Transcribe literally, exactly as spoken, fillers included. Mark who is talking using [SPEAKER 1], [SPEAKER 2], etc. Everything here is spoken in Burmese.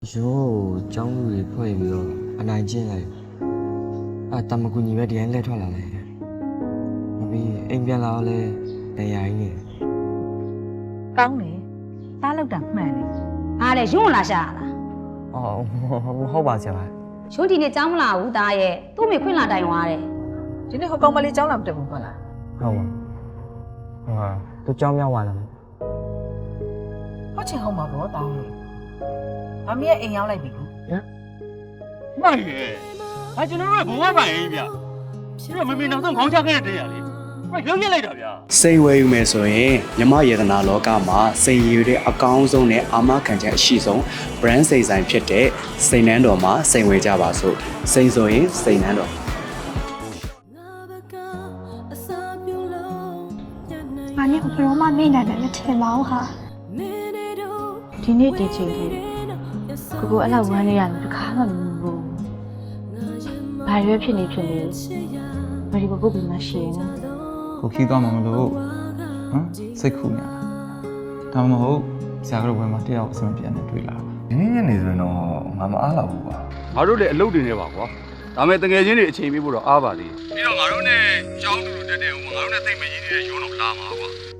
[SPEAKER 1] 哟，张路里破一个，啊难进来，啊他们姑娘点来ထွက်လာလေ။ပြီးအိမ်ပြန်လာတော့လဲတရားကြီးနေ။
[SPEAKER 2] ကောင်းတယ်။သားလောက်တာမှန်တယ်
[SPEAKER 3] ဟာလေရုံးလာရှာလား
[SPEAKER 1] အော်ဟုတ်ပါဆရာ။
[SPEAKER 3] ရုံးဒီနေ့ကြောင်းမလာဘူးသားရဲ့သူ့မိခွင့်လာတိုင်သွားတယ်
[SPEAKER 2] ။ဒီနေ့ဟိုကောင်မလေးကြောင်းလာမတက်ဘူးမလား
[SPEAKER 1] ဟုတ်ပါဟာသူကြောင်းမြောက်သွားလား
[SPEAKER 2] ။ဟုတ်ချင်ဟုတ်မှာပေါ့သားရဲ့။မမီးရဲ့အိမ်ရောက်လိုက်ပြီကူ
[SPEAKER 4] မှန်ရဲ့ဟာကျွန်တော်တို့ကဘဝပိုင်ရင်ဗျပြီးတော့မမေနောက်ဆုံးခေါင်းချခဲ့တဲ့တရားလေးဟဲ့ရုပ်ရက်လိုက်တာဗျာ
[SPEAKER 5] စိတ်ဝဲယူမယ်ဆိုရင်မြမယေဒနာလောကမှာစိတ်ရည်တဲ့အကောင်းဆုံးနဲ့အာမခံချက်အရှိဆုံး brand စိတ်ဆိုင်ဖြစ်တဲ့စိတ်နှန်းတော်မှာစိတ်ဝဲကြပါစို့စိတ်ဆိုရင်စိတ်နှန်းတော်
[SPEAKER 6] ။ငါနဲ့ဘယ်တော့မှမေ့နိုင်တယ်မထင်ပါဘူးဟာ
[SPEAKER 7] ဒီနေ့ဒီချိန်လေးကိုကိုအဲ့လောက်ဝမ်းနေရတယ်တခါမှမဘူးဘာရွေးဖြစ်နေဖြစ်နေမဒီကိုကိုပြီးမှရှိရင်နော်
[SPEAKER 8] ကိုခီးသွားမှာမလို့ဟမ်စိတ်ခုနေလားဒါမှမဟုတ်ဆရာကတော့ဘယ်မှာတယောက်အဆင်ပြေနေတွေ့လာ
[SPEAKER 9] ဒီနေ့ညနေဆိုရင်တော့ငါမအားလောက်ဘူးပါ
[SPEAKER 4] ငါတို့လည်းအလုပ်တွေနေပါကွာဒါမဲ့တကယ်ချင်းတွေအချိန်ပေးဖို့တော့အားပါလေပြီးတော့ငါတို့နဲ့ကြောင်းတူတူတက်တဲ့ဟိုငါတို့နဲ့သိမ့်မရင်းနေတဲ့ရုံးတော့လာမှာကွာ